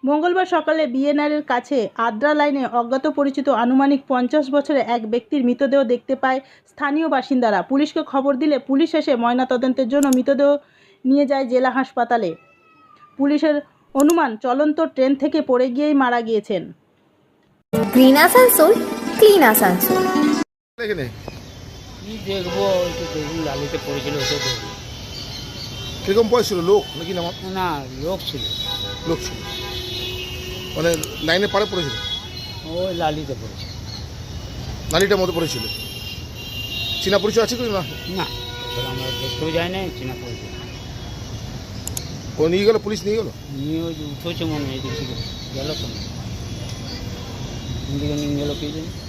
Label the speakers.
Speaker 1: মঙ্গলবার সকালে বিএনআরের কাছে আদ্রা লাইনে অজ্ঞাত পরিচিত আনুমানিক 50 বছরের এক ব্যক্তির মৃতদেহ দেখতে পায় স্থানীয় বাসিন্দারা। পুলিশকে খবর দিলে পুলিশ এসে ময়নাতদন্তের জন্য মৃতদেহ নিয়ে যায় জেলা হাসপাতালে। পুলিশের অনুমান চলন্ত ট্রেন থেকে পড়ে গিয়েই মারা গিয়েছেন।
Speaker 2: Green Asansol, clean Asansol.
Speaker 3: এখানে
Speaker 4: কি দেখবো, একটু দেখুন লালিতে পড়েছিল, ওটা দেখবো।
Speaker 3: কিরকম বয়স ছিল? লোক নাকি না
Speaker 4: না, লোক ছিল,
Speaker 3: লোক ছিল, মানে লাইনে পাড়ে পড়েছিল,
Speaker 4: ওই লালিতে পড়েছিল।
Speaker 3: নালিটার মধ্যে পড়েছিল। চীনা পরিচয় আছে কিছু না?
Speaker 4: না, আসলে আমরা দেখতেও যাই না, চেনা পড়েছিল।
Speaker 3: ও নিয়ে গেল, পুলিশ নিয়ে গেল।
Speaker 4: নিয়ে ওই যে উঠেছে মনে হয়, এদিক থেকে গেল তো, এদিকে নিয়ে গেল কে জানি।